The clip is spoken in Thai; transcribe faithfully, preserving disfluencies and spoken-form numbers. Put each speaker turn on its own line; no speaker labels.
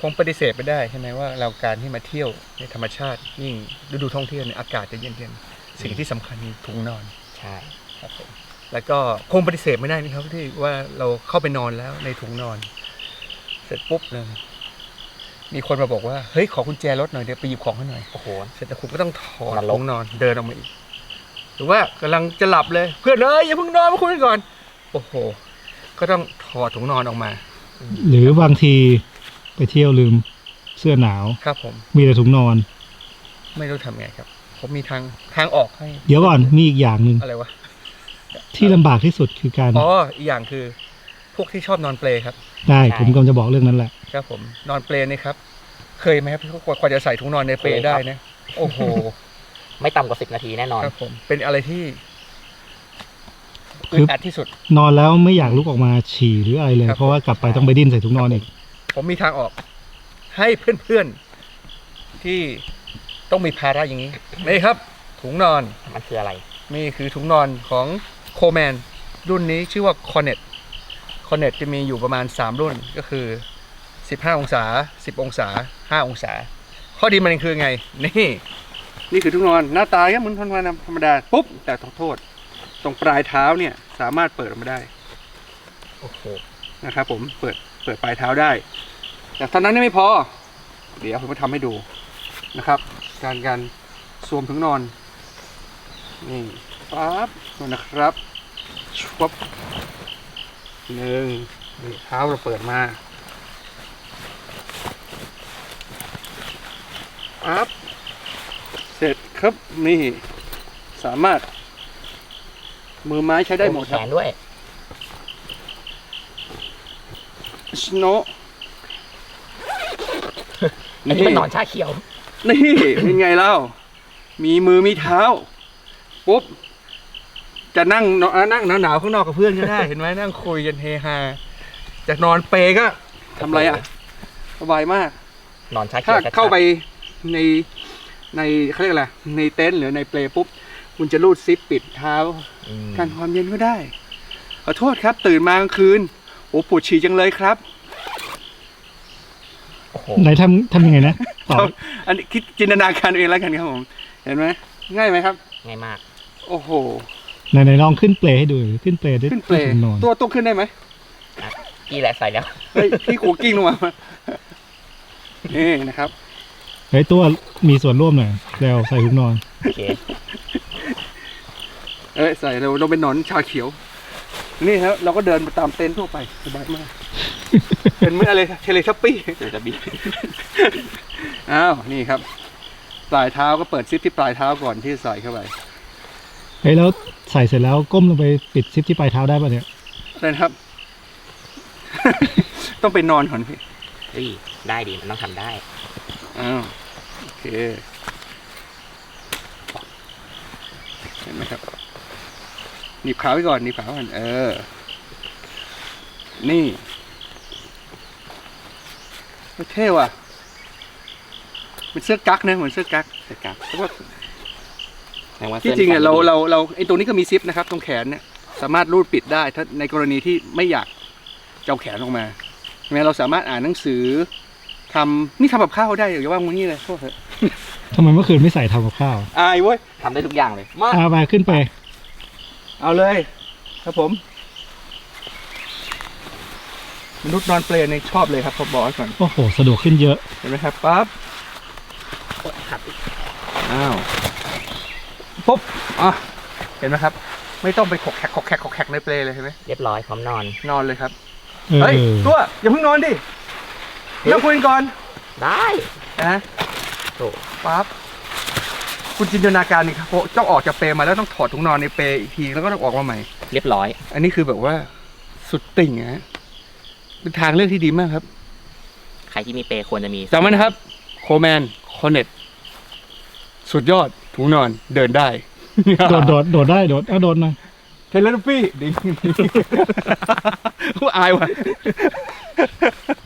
คงปฏิเสธไม่ได้ใช่ไหมว่าเราการที่มาเที่ยวในธรรมชาติยิ่งฤดูท่องเที่ยวเนี่ยอากาศจะเย็นๆสิ่งที่สำคัญคือถุงนอน
ใช่
ครับผมแล้วก็คงปฏิเสธไม่ได้นะครับที่ว่าเราเข้าไปนอนแล้วในถุงนอนเสร็จปุ๊บเลยมีคนมาบอกว่าเฮ้ยขอกุญแจรถหน่อยเดี๋ยวไปหยิบของให้หน่อย
โอ้โห
เสร็จแล้วคุณก็ต้องถอดถุงนอนเดินออกมาอีกหรือว่ากำลังจะหลับเลยเพื่อนเอ้ยอย่าเพิ่งนอนมาคุยกันก่อนโอ้โหก็ต้องถอดถุงนอนออกมา
หรือบางทีไปเที่ยวลืมเสื้อหนาว
ครับผม
มีแต่ถุงนอน
ไม่รู้ทำไงครับผมมีทางทางออกให้
เดี๋ยวก่อนมีอีกอย่างหนึ่ง
อะไรวะ
ที่ลำบากที่สุดคือการ
อ๋ออีกอย่างคือพวกที่ชอบนอนเปลครับ
ได้ผมกำลังจะบอกเรื่องนั้นแหละ
ครับผมนอนเปลนี่ครับเคยไหมครับกว่าจะใส่ถุงนอนในเปลได้นะโอ้โห
ไม่ต่ำกว่าสิบนาทีแน่นอน
ครับผมเป็นอะไรที่อึดอัดที่สุด
นอนแล้วไม่อยากลุกออกมาฉี่หรืออะไรเลยเพราะว่ากลับไปต้องไปดิ้นใส่ถุงนอนอีก
ผมมีทางออกให้เพื่อนๆที่ต้องมีภาระอย่างนี้นี่ครับถุงนอน
มันคืออะไร
นี่คือถุงนอนของโคแมนรุ่นนี้ชื่อว่าคอนเน็ตคอนเน็ตจะมีอยู่ประมาณสามรุ่นก็คือสิบห้าองศาสิบองศาห้าองศาข้อดีมันคือไงนี่นี่คือถุงนอนหน้าตาเหมือนถุงนอนธรรมดาปุ๊บแต่ขอโทษตรงปลายเท้าเนี่ยสามารถเปิดออกมาได้
โอ้โห
นะครับผมเปิดเปิดปลายเท้าได้แต่เท่านั้นไม่พอเดี๋ยวผมจะทำให้ดูนะครับการการสวมถุงนอนนี่ปั๊บนะครับชุบหนึ่งนี่เท้าเราเปิดมาปั๊บเสร็จครับนี่สามารถมือไม้ใช้ได้หมด
แขนด้วย
สโน
อันนี้มันนอนชาเขียว
นี่เป็นไงเล่ามีมือมีเท้าปุ๊บจะนั่งนั่งหนาวๆข้างนอกกับเพื่อนก็ได้เห็นไหมนั่งคุยกันเฮฮาจะนอนเปก็ทำไรอ่ะสบายมาก
นอนชาเขียว
ถ้าเข้าไปในในเขาเรียกอะไรในเต็นท์หรือในเปลปุ๊บคุณจะรูดซิปปิดเท้ากันความเย็นก็ได้ขอโทษครับตื่นมากลางคืนโอ้ปวดฉี่จังเลยครับ
ไหนทำทำยังไงนะ
ต่ออันนี้คิดจินตนาการเองแล้วกันครับผมเห็นไหมง่ายไหมครับ
ง่ายมาก
โอ้โห
ไหนไหนลองขึ้นเปลให้ดูขึ้นเปลด้วย
ขึ้นเปลตัวตัวขึ้นได้ไหม
กี่แหละใส่แล้ว
เฮ้ยพี่ขูกิ้งลงมานี่นะครับ
เฮ้ยตัวมีส่วนร่วมหน่อยแล้วใส่ถุงนอน
โอเค
เอ้ยใส่เราเราเป็นหนอนชาเขียวนี่ครับเราก็เดินไปตามเต็นท์ทั่วไปสบายมากเป็นเหมือนอะไรเทเลชัปปี้
เทเลชัปปี้
อ้าวนี่ครับปลายเท้าก็เปิดซิปที่ปลายเท้าก่อนที่ใส่เข้าไป
เฮ้ยแล้วใส่เสร็จแล้วก้มลงไปปิดซิปที่ปลายเท้าได้ป่ะเนี่ย
ได้ครับต้องไปนอนก่อนพี่
เฮ้ยได้ดีมันต้องทำได้
อ้าวโอเคเห็นไหมครับหนีบขาไว้ก่อนหนีบขาก่อนเออนี่เท่ว่ะเป็นเสื้อกั๊กนะเหมือนเสื้อกั๊ก
เสื้อกั๊ก
ที่จริงเนี่ยเราเราเราไอ้ตรงนี้ก็มีซิปนะครับตรงแขนเนี่ยสามารถรูดปิดได้ถ้าในกรณีที่ไม่อยากจะเอาแขนออกมาใช่ไหมเราสามารถอ่านหนังสือทำนี่ทำกับข้าวได้อย่าว่างงี้เลยโทษเถอะ
ทำไมเมื่อคืนไม่ใส่ทำกับข้าว
อายเว้ย
ทำได้ทุกอย่างเลย
มาเอาไปขึ้นไป
เอาเลยครับผมมนุษย์นอนเปลเนี่ยชอบเลยครับผมบอกก่อน
โอ้โหสะดวกขึ้นเยอะ
เห็นไหมครับปั๊บอ้าวปุ๊บอ่ะเห็นไหมครับไม่ต้องไปขกแขกขกแขกขกแขกในเปลเลยใช่ไหม
เรียบร้อยพร้อมนอน
นอนเลยครับเฮ้ยตัวอย่าเพิ่งนอนดินั่งคุยก่อน
ได้
นะโอ้ปั๊บคุณจินตนาการนี่ครับต้องออกจากเปลมาแล้วต้องถอดถุงนอนในเปลอีกทีแล้วก็ต้องออกมาใหม่
เรียบร้อย
อันนี้คือแบบว่าสุดติ่งนะเป็นทางเลือกที่ดีมากครับ
ใครที่มีเปลควรจะมี
จำไว้นะครับโคแมนคอนเน็ตสุดยอดถุงนอนเดินได้
โดดโดดโดดได้โดดเอาโดดหน่อย
เทเลนฟี่ดิ้งผู้อายว่ะ